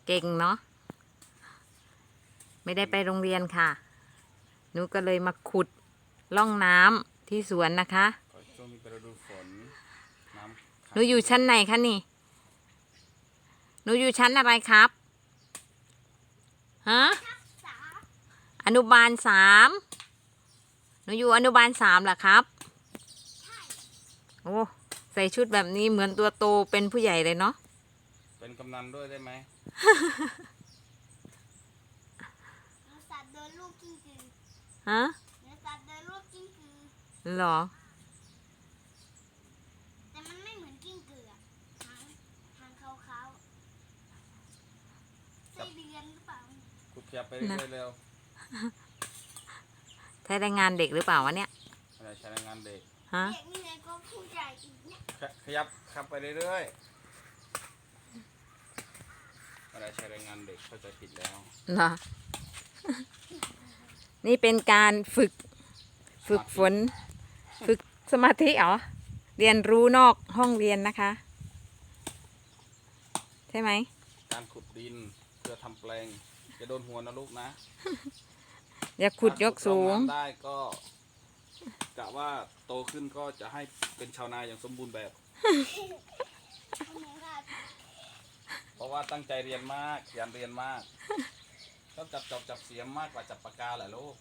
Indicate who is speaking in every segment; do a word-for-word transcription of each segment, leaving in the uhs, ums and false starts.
Speaker 1: เก่งเนาะไม่ได้ไปโรงเรียนค่ะหนูก็เลยมาขุดร่องน้ำที่สวนนะคะ
Speaker 2: ช่วงนี้เป็นฤดูฝนน้ำ
Speaker 1: หนูอยู่ชั้นไหนคะนี่หนูอยู่ชั้นอะไรครับฮะอนุบาลสามหนูอยู่อนุบาลสามเหรอครับโอ้ใส่ชุดแบบนี้เหมือนตัวโตเป็นผู้ใหญ่เลยเนาะ
Speaker 2: เป็นกำนันด้วยได้ไหม
Speaker 3: สัตว์เดินลูกกิ้งกือ
Speaker 1: ฮะ
Speaker 3: สัตว์เดินลูกกิ้งกือ
Speaker 1: หรอ
Speaker 3: แต่มันไม่เหมือนกิ้งกือหางหางขาวๆไส้เดือนหรือเปล่า
Speaker 2: ขุดขยับไปเรื่อยๆเร็ว
Speaker 1: ใช้แรงงานเด็กหรือเปล่าวะเนี่ย
Speaker 2: อะไรใช้แรงงานเด็ก
Speaker 1: ฮะ
Speaker 3: เด็กนี่ไงก็ผู้ใหญ่อีกเนี่ย
Speaker 2: ขยับขับไปเรื่อยๆอะไรใช้แรงงานเด็กเข้าใจผิดแล้ว
Speaker 1: เหรอนี่เป็นการฝึกฝึกฝนฝึกสมาธิเหรอเรียนรู้นอกห้องเรียนนะคะใช่ไหม
Speaker 2: การขุดดินเพื่อทำแปลงจะโดนหัวนะลูกนะ
Speaker 1: อย่าขุดยกสูง
Speaker 2: ได้ก็กะว่าโตขึ้นก็จะให้เป็นชาวนาอย่างสมบูรณ์แบบเพราะว่าตั้งใจเรียนมากขยันเรียนมากชอบจับจอบจับเสียมมากกว่าจับปากกาแหละลูก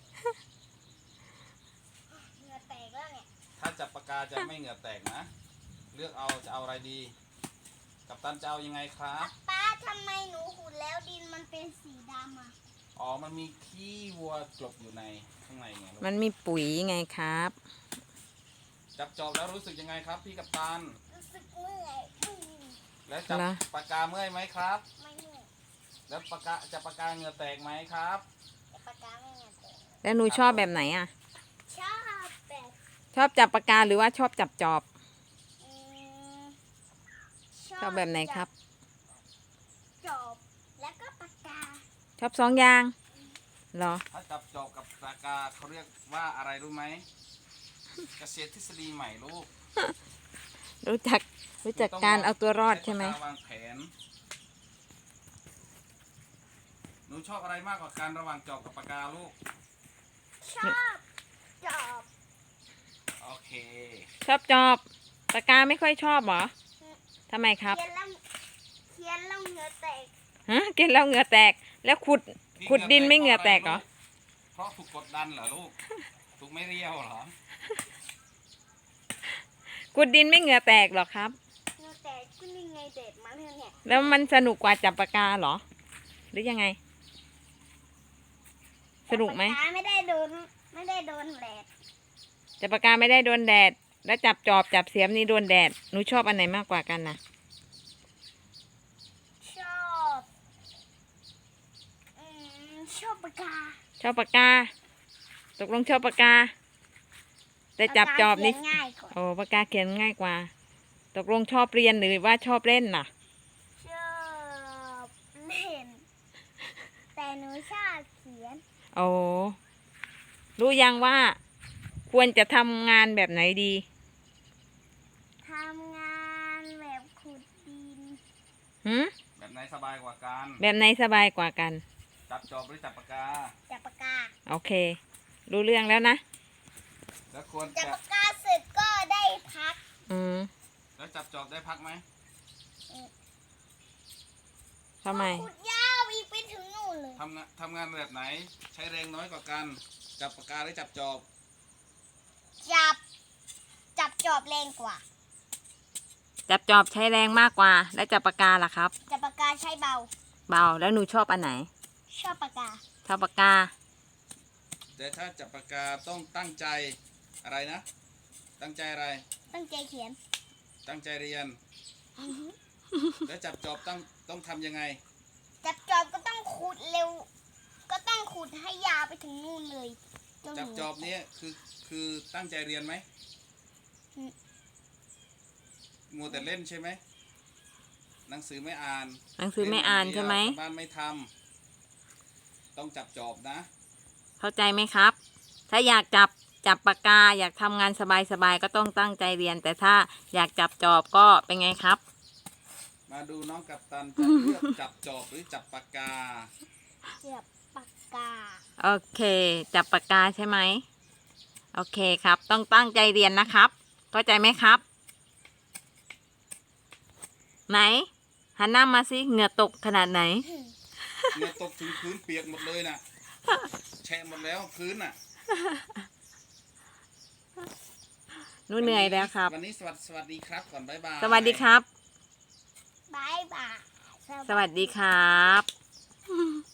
Speaker 3: เหงื่อแตกแล้วเนี่ย
Speaker 2: ถ้าจับปากกาจะไม่เหงื่อแตกนะเลือกเอาจะเอาอะไรดีกัปตันจะเอายังไงครับ
Speaker 3: ป้าทำไมหนูขุดแล้วดินมันเป็นสีดำอ่ะ
Speaker 2: อ๋อมันมีขี้วัวกลบอยู่ในข้างในไง
Speaker 1: มันมีปุ๋ยไงครับ
Speaker 2: จับจอบแล้วรู้สึกยังไงครับพี่กัปตัน
Speaker 3: รู้สึกเมื่อย
Speaker 2: แล้วจับปากกาเมื่อยไหมครับ
Speaker 3: ไม่เมื่อย
Speaker 2: แล้วปากกาจับปากกาเหงื่อแตกไหมครับ
Speaker 3: จับปากกาไม่เหงื่อแตก
Speaker 1: แล้วหนูชอบแบบไหนอ่ะ
Speaker 3: ชอบแบบ
Speaker 1: ชอบจับปากกาหรือว่าชอบจับจอบชอบแบบไหนครับ
Speaker 3: จอบแล้วก็ปากกา
Speaker 1: ชอบสองอย่างเหรอ
Speaker 2: ถ้าจับจอบกับปากกาเขาเรียกว่าอะไรรู้ไหมเกษตรทฤษฎีใหม่ลูก
Speaker 1: รู้จักรู้จักการเอาตัวรอดใช่ไหม
Speaker 2: วางแผนหนูชอบอะไรมากกว่าการระหว่างจอบกับปากกาลูก
Speaker 3: ชอบจอบ
Speaker 2: โอเค
Speaker 1: ชอบจอบปากกาไม่ค่อยชอบเหรอทำไมครับ
Speaker 3: เขียนแล้วเขียนแล้วเหงื่อแตก
Speaker 1: ฮะกินแล้วเหงื่อแตกแล้วขุดขุดดินไม่เหงื่อแตกเหรอ
Speaker 2: เพราะถูกกดดันเหรอลูกถูกไม่เรียวเหรอ
Speaker 1: ขุดดินไม่เหงื่อแตกหรอครับ
Speaker 3: เหงื่อแตกก็นี่ไงเด็ดมาเนี่ย
Speaker 1: แล้วมันสนุกกว่าจับปากกาเหรอหรือยังไงสนุกไหม
Speaker 3: ไม่ได้โดนไม่ได้โดนแดด
Speaker 1: จับปากกาไม่ได้โดนแดดแล้วจับจอบจับเสียมนี่โดนแดดหนูชอบอันไหนมากกว่ากันนะ
Speaker 3: ชอบอืมชอบปากกา
Speaker 1: ชอบปากกาตกลงชอบปากกาแต่จับจอบนี่โอ้ปากกาเขียนง่ายกว่าตกลงชอบเรียนหรือว่าชอบเล่นน่ะ
Speaker 3: ชอบเล่นแต่หนูชอบเขียน
Speaker 1: โอ้รู้ยังว่าควรจะทำงานแบบไหนดี
Speaker 3: ทำงานแบบขุดดิน
Speaker 1: หืม
Speaker 2: แบบไหนสบายกว่ากัน
Speaker 1: แบบไหนสบายกว่ากัน
Speaker 2: จับจอบหรือจับปากกา
Speaker 3: จับปากกา
Speaker 1: โอเครู้เรื่องแล้วนะ
Speaker 2: แล้วควร
Speaker 3: จับปากกาเสร็จก็ได้พัก
Speaker 1: อืม
Speaker 2: แล้วจับจอบได้พักไหม
Speaker 1: ทำไม
Speaker 3: ขุดยาวอีกไปถึงนู่นเลย
Speaker 2: ทำงานทำงานแบบไหนใช้แรงน้อยกว่ากันจับปากกาหรือจับจอบ
Speaker 3: จับจับจอบแรงกว่า
Speaker 1: จับจอบใช้แรงมากกว่าแล้วจับปากกาล่ะครับ
Speaker 3: จับปากกาใช้เบา
Speaker 1: เบาแล้วหนูชอบอันไหน
Speaker 3: ชอบปากกา
Speaker 1: ชอบปากกา
Speaker 2: แต่ถ้าจับปากกาต้องตั้งใจอะไรนะตั้งใจอะไร
Speaker 3: ตั้งใจเขียน
Speaker 2: ตั้งใจเรียนแล้วจับจอบต้องต้องทำยังไง
Speaker 3: จับจอบก็ต้องขุดเร็วก็ต้องขุดให้ยาวไปถึงนู่นเลย
Speaker 2: จับจอบนี้คือคือตั้งใจเรียนไหมมัวแต่เล่นใช่ไหมหนังสือไม่อ่าน
Speaker 1: หนังสือไม่อ่านใช่ไหม
Speaker 2: บ้านไม่ทำต้องจับจอบนะ
Speaker 1: เข้าใจไหมครับถ้าอยากจับจับปากกาอยากทำงานสบายๆก็ต้องตั้งใจเรียนแต่ถ้าอยากจับจอบก็เป็นไงครับ
Speaker 2: มาดูน้องกัปตันจะเลือกจับจอบหรือจับปากกา
Speaker 3: เสียบปากกา
Speaker 1: โอเค จับปากกาใช่ไหมโอเคครับ ต้องตั้งใจเรียนนะครับเข้าใจไหมครับ ไหนหันหน้ามาสิเหงื่อตกขนาดไหน
Speaker 2: เมื่อตกถึงพื้นเปียกหมดเลยน่ะแฉะหมดแล้วพื้นน่ะ
Speaker 1: หนูเหนื่อยแล้วครับ
Speaker 2: วันนี้สวัสดีสวัสดีครับก่อนบ๊ายบาย
Speaker 1: สวัสดีครับ
Speaker 3: บายบาย
Speaker 1: สวัสดีครับ